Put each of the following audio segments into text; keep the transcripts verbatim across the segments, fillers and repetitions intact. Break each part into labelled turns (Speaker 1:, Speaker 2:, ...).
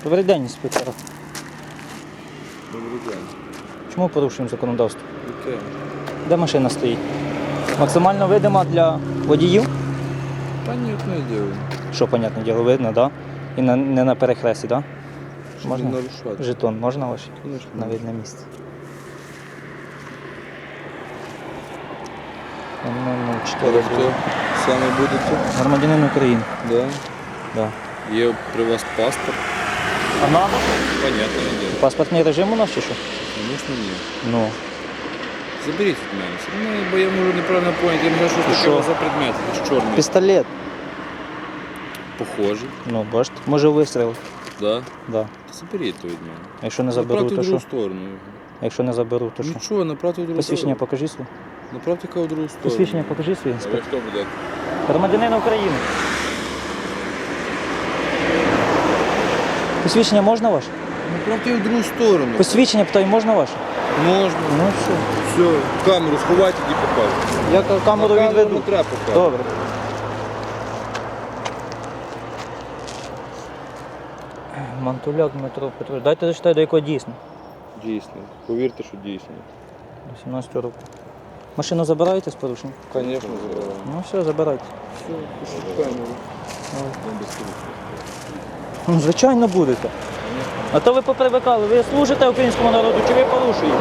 Speaker 1: Добрий день, інспектор.
Speaker 2: Добрий день.
Speaker 1: Чому порушуємо законодавство?
Speaker 2: Яке?
Speaker 1: Де машина стоїть? Максимально видима для водіїв?
Speaker 2: Та ні, не діло.
Speaker 1: Що, понятне діло, видно, так? Да? І на, не на перехресті, так?
Speaker 2: Щоб
Speaker 1: Можна?
Speaker 2: не нарушати.
Speaker 1: Жетон можна ваш?
Speaker 2: Звісно.
Speaker 1: На видне місце. Ну,
Speaker 2: А ви хто? Саме будете?
Speaker 1: Громадянин України.
Speaker 2: Да.
Speaker 1: Да.
Speaker 2: Є при вас паспорт?
Speaker 1: А надо?
Speaker 2: Понятно, не діло.
Speaker 1: Паспортний режим у нас чи що?
Speaker 2: Звісно, ні.
Speaker 1: Ну.
Speaker 2: Заберіть від мене. Ну, бо я можу неправильно поняти. Я не знаю, що це
Speaker 1: Що?
Speaker 2: таке у вас за предмет. Якийсь чорний.
Speaker 1: Пістолет.
Speaker 2: Похожий.
Speaker 1: Ну, бачите, може вистріл.
Speaker 2: Да?
Speaker 1: Да.
Speaker 2: Та заберіть то від мене.
Speaker 1: Якщо не заберу,
Speaker 2: Направте
Speaker 1: то
Speaker 2: в другу
Speaker 1: що?
Speaker 2: сторону.
Speaker 1: Якщо не заберу, то що?
Speaker 2: Нічого, направте в другу
Speaker 1: Посвідчення
Speaker 2: сторону.
Speaker 1: покажи своє.
Speaker 2: Направте-ка в другу сторону.
Speaker 1: Посвідчення покажи своє,
Speaker 2: А ви
Speaker 1: інспектор.
Speaker 2: хто буде?
Speaker 1: Громадянин України. Посвідчення можна ваше?
Speaker 2: Направте в другу сторону.
Speaker 1: Посвідчення, питаю, можна ваше?
Speaker 2: Можна.
Speaker 1: Ну все.
Speaker 2: Все, камеру сховайте і покажете.
Speaker 1: Я ка- камеру
Speaker 2: На камеру
Speaker 1: відведу.
Speaker 2: не треба показувати.
Speaker 1: Добре. Мантуляк Дмитро Петрович. Дайте зачитаю, до якого дійсно.
Speaker 2: Дійсно. Повірте, що дійсно.
Speaker 1: До сімнадцятого року. Машину забираєте з порушенням?
Speaker 2: Звісно, забираємо.
Speaker 1: Ну все, забирайте.
Speaker 2: Все, пишіть камеру.
Speaker 1: Ну, звичайно, будете. А то ви попривикали, ви служите українському народу чи ви порушуєте?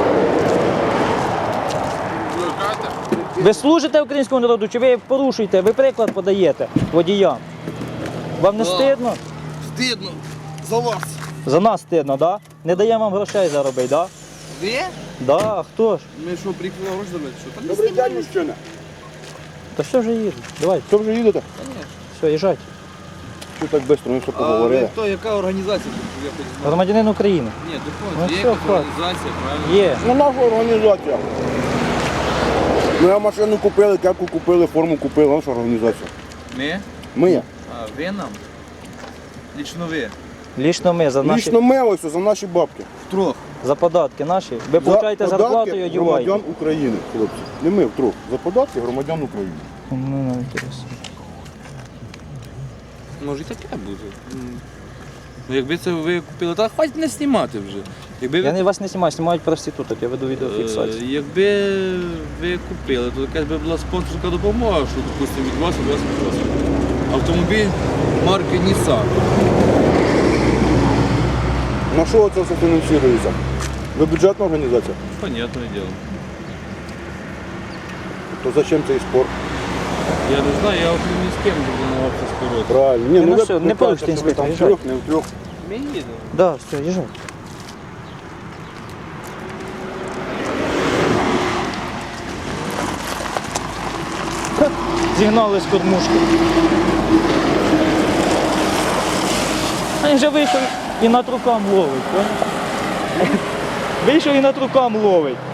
Speaker 1: Ви служите українському народу чи ви порушуєте? Ви приклад подаєте водіям. Вам не
Speaker 2: Да.
Speaker 1: стидно?
Speaker 2: Стидно. За вас.
Speaker 1: За нас стидно, так? Да? Не даємо вам грошей заробити, так?
Speaker 2: Ви?
Speaker 1: Да? Да, а хто ж?
Speaker 2: Ми що, приїхали гроші заробити? Що? Та
Speaker 3: Добрий день, мужчина.
Speaker 1: Та все вже їде. Давайте,
Speaker 3: Що вже їдете?
Speaker 1: все, їжджайте.
Speaker 3: Що так швидко, ми все
Speaker 2: А ви
Speaker 3: поговорили?
Speaker 2: хто, яка організація? тут? Я хоч знаю.
Speaker 1: Громадянин України.
Speaker 2: Ні,
Speaker 1: Ну,
Speaker 2: доходить. Є
Speaker 1: все,
Speaker 2: якась
Speaker 1: хватить.
Speaker 2: організація, правильно?
Speaker 1: Є.
Speaker 3: Ну, наша організація. Ми машину купили, кепку купили, форму купили, наша організація.
Speaker 2: Ми?
Speaker 3: Ми.
Speaker 2: А, ви нам? Лічно ви?
Speaker 1: Лічно ми за наші
Speaker 3: Лічно ми ось за наші бабки.
Speaker 2: Втрох.
Speaker 1: за податки наші. Ви получаєте
Speaker 3: За
Speaker 1: зарплату і
Speaker 3: податки
Speaker 1: одіваєте.
Speaker 3: громадян України, хлопці. Не ми втрох. За податки громадян України.
Speaker 1: Ну, ну, інтересно.
Speaker 2: Може і таке буде. Ну, якби це ви купили, та хватить не знімати вже. Якби
Speaker 1: Я
Speaker 2: ви,
Speaker 1: не вас не знімаю, знімають проституток, я веду відеофіксацію.
Speaker 2: е, якби ви купили, то якась би була спонсорська допомога, що, допустимо, від вас, від вас, від вас. Автомобіль марки Nissan.
Speaker 3: На що це все фінансується? Ви бюджетна організація?
Speaker 2: Понятне діло.
Speaker 3: То зачем цей спорт?
Speaker 2: Я не знаю, я от ні з ким не намагався скоротити.
Speaker 3: Правильно. Ні,
Speaker 1: Ти
Speaker 3: ну
Speaker 1: на
Speaker 3: ви
Speaker 1: що, не
Speaker 3: ви
Speaker 1: порушуйте,
Speaker 3: кажете, що ви там
Speaker 1: інспектор,
Speaker 3: втрьох, не втрьох.
Speaker 2: Ми їдемо.
Speaker 1: Да, все, їжджайте. Ха, зігнали з кормушки. А він вже вийшов і над рукам ловить, поняв? Вийшов і над рукам ловить.